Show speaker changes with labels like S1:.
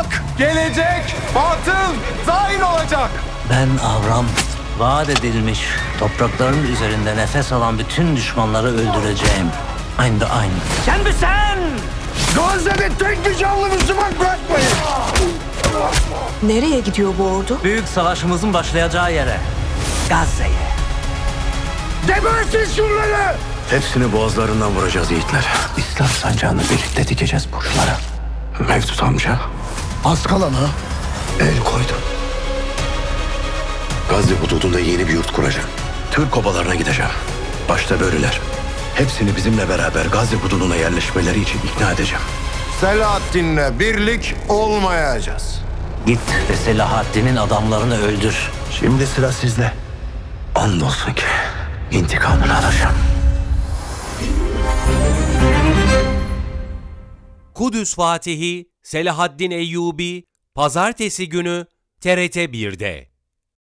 S1: Hak gelecek, batıl zain olacak.
S2: Ben Avram, vaat edilmiş toprakların üzerinde nefes alan bütün düşmanları öldüreceğim. Aynı da aynı. Sen mi sen?
S1: Gazze'de tek bir canlı Müslüman bırakmayın.
S3: Nereye gidiyor bu ordu?
S2: Büyük savaşımızın başlayacağı yere. Gazze'ye.
S1: Gebertin şunları.
S4: Hepsini boğazlarından vuracağız yiğitler. İslam sancağını birlikte dikeceğiz burçlara. Mevcut amca
S1: Az kalana
S4: el koydu. Gazze hududunda yeni bir yurt kuracağım. Türk obalarına gideceğim. Başta böyleler. Hepsini bizimle beraber Gazze hududuna yerleşmeleri için ikna edeceğim.
S1: Selahaddin'le birlik olmayacağız.
S2: Git ve Selahaddin'in adamlarını öldür.
S4: Şimdi sıra sizde. Andolsun ki intikamını alacağım.
S5: Kudüs Fatihi Selahaddin Eyyubi Pazartesi günü TRT 1'de.